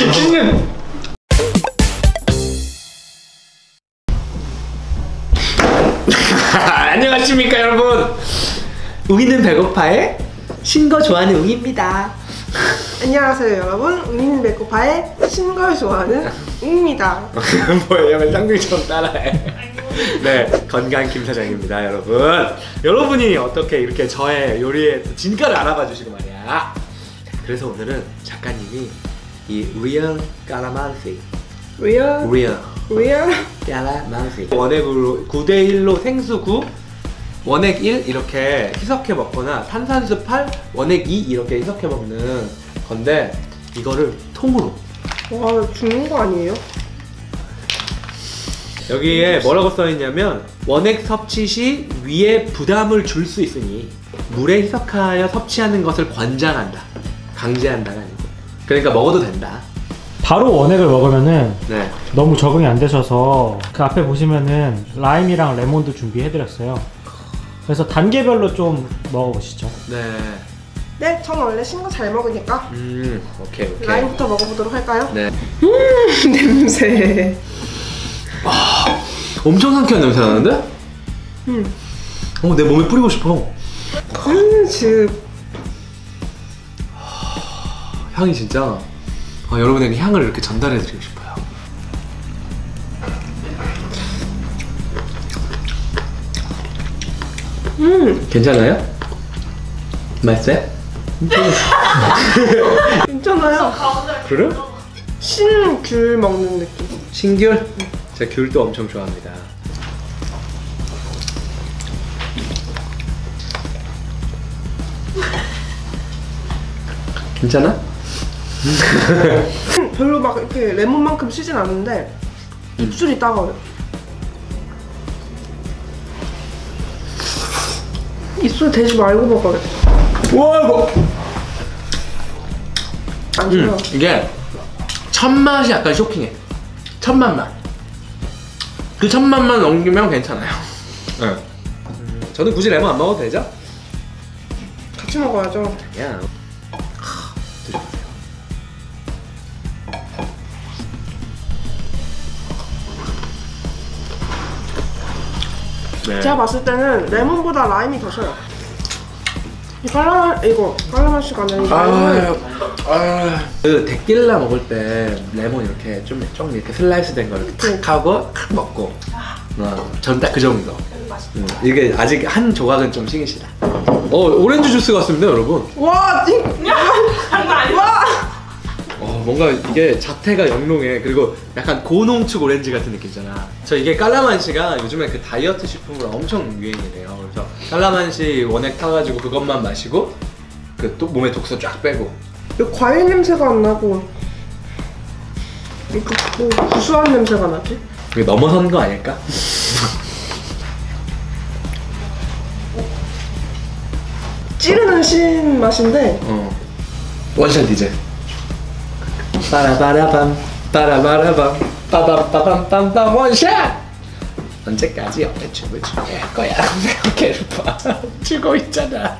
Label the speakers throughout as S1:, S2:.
S1: 안녕하십니까 여러분. 웅이는 배고파의 신거 좋아하는 웅입니다.
S2: 안녕하세요 여러분. 웅이는 배고파의 신걸 좋아하는 웅입니다.
S1: 뭐예요? 왜 쌍둥이처럼 따라해. 네, 건강 김 사장입니다 여러분. 여러분이 어떻게 이렇게 저의 요리의 진가를 알아봐 주시고 말이야. 그래서 오늘은 작가님이 이 Real Calamansi Real Calamansi 원액으로 9대1로 생수 9 원액 1 이렇게 희석해 먹거나 탄산수 8 원액 2 이렇게 희석해 먹는 건데 이거를 통으로.
S2: 와, 죽는 거 아니에요?
S1: 여기에 뭐라고 써있냐면 원액 섭취 시 위에 부담을 줄 수 있으니 물에 희석하여 섭취하는 것을 권장한다. 강제한다가 아니고. 그러니까 먹어도 된다.
S3: 바로 원액을 먹으면은
S1: 네.
S3: 너무 적응이 안 되셔서 그 앞에 보시면은 라임이랑 레몬도 준비해드렸어요. 그래서 단계별로 좀 먹어보시죠.
S2: 네, 전 원래 신거 잘 먹으니까
S1: 오케이.
S2: 라임부터 먹어보도록 할까요?
S1: 네.
S2: 냄새.
S1: 와, 엄청 상쾌한 냄새 나는데? 내 몸에 뿌리고 싶어. 향이 진짜 여러분에게 향을 이렇게 전달해 드리고 싶어요. 괜찮아요? 맛있어요?
S2: 괜찮아요.
S1: 그래?
S2: 신귤 먹는 느낌.
S1: 신귤? 제가 귤도 엄청 좋아합니다. 괜찮아?
S2: 별로 막 이렇게 레몬만큼 시진 않은데 입술이 따가워요. 입술 대지 말고 먹어야겠다.
S1: 와 이거!
S2: 안 좋아요.
S1: 이게 첫 맛이 약간 쇼킹해. 첫맛 맛. 그 첫 맛만 넘기면 괜찮아요. 네. 저는 굳이 레몬 안 먹어도 되죠?
S2: 같이 먹어야죠.
S1: 야. 네.
S2: 제가 봤을 때는 레몬보다 라임이 더 셔요. 깔라만시가 아니라
S1: 그 데킬라 먹을 때 레몬 이렇게 좀 이렇게 슬라이스 된 거 이렇게 탁 하고 탁 먹고 전 딱 그 정도. 이게 아직 한 조각은 좀 시기시다. 오렌지 주스 같습니다 여러분.
S2: 와, 장난 아니야.
S1: 뭔가 이게 자태가 영롱해. 그리고 약간 고농축 오렌지 같은 느낌이잖아. 저 이게 깔라만시가 요즘에 그 다이어트 식품으로 엄청 유행이래요. 그래서 깔라만시 원액 타가지고 그것만 마시고 그 또 몸에 독소 쫙 빼고.
S2: 과일 냄새가 안 나고 이렇게 뭐 구수한 냄새가 나지?
S1: 이게 넘어선 거 아닐까?
S2: 찌르는 신 맛인데
S1: 원샷 이제 빠라바라밤 빠라바라밤 빠밤빠밤빰빰 원샷! 언제까지 옆에 춤을 추게 할 거야? 어깨를 봐 추고 있잖아.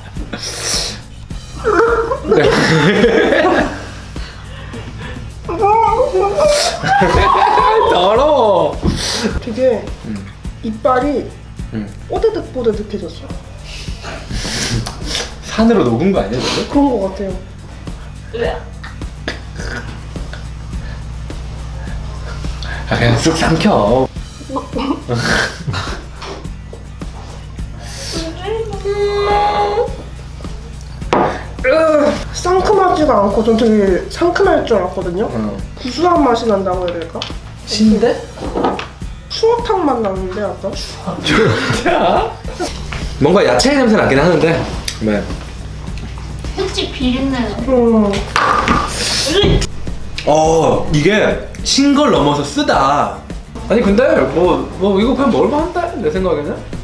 S1: 더러워.
S2: 되게 이빨이 뽀드득뽀드득해졌어.
S1: 산으로 녹은 거 아니야 저거?
S2: 그런 거 같아요.
S1: 그냥 쑥 삼켜.
S2: 상큼하지가 않고 전 되게 상큼할 줄 알았거든요. 구수한 맛이 난다고 해야 될까?
S1: 신데?
S2: 추어탕 맛 나는데 약간?
S1: 추어탕? 뭔가 야채 냄새 나긴 하는데 네.
S4: 혹시 비린내?
S1: 이게 신 걸 넘어서 쓰다. 아니 근데 뭐 이거 그냥 먹을만한데 내 생각에는.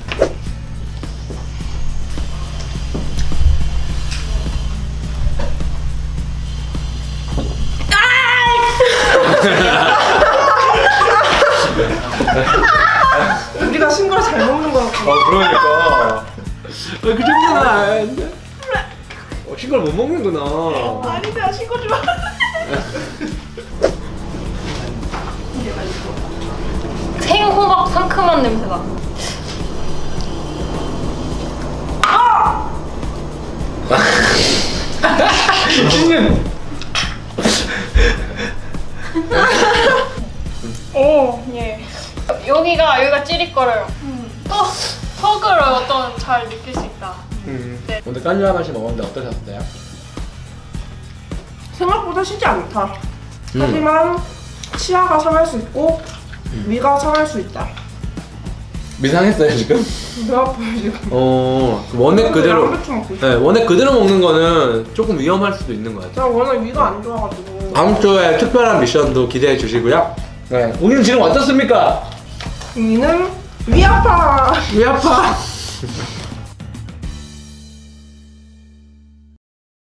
S2: 우리가 신걸 잘 먹는 거 같아.
S1: 그러니까. 그 정도는 아닌데. 신걸 못 먹는구나.
S2: 아니, 내가 신걸 좋아하는데.
S4: 상큼한 냄새가.
S1: 신님.
S4: 오, 예. 여기가 찌릿거려요. 턱을 어떤 잘 느낄 수 있다. 네.
S1: 오늘 깐류아 맛이 먹었는데 어떠셨어요?
S2: 생각보다 쉽지 않다. 하지만 치아가 상할 수 있고 위가 상할 수 있다.
S1: 미상했어요 지금?
S2: 배 아파요 지금.
S1: 원액 그대로.
S2: 양배추 먹고 있어.
S1: 네, 원액 그대로 먹는 거는 조금 위험할 수도 있는 것 같아요.
S2: 제가 워낙 위가 안 좋아가지고.
S1: 다음 주에 특별한 미션도 기대해 주시고요. 네, 우리는 지금 어떻습니까?
S2: 위는 위 아파.
S1: 위 아파.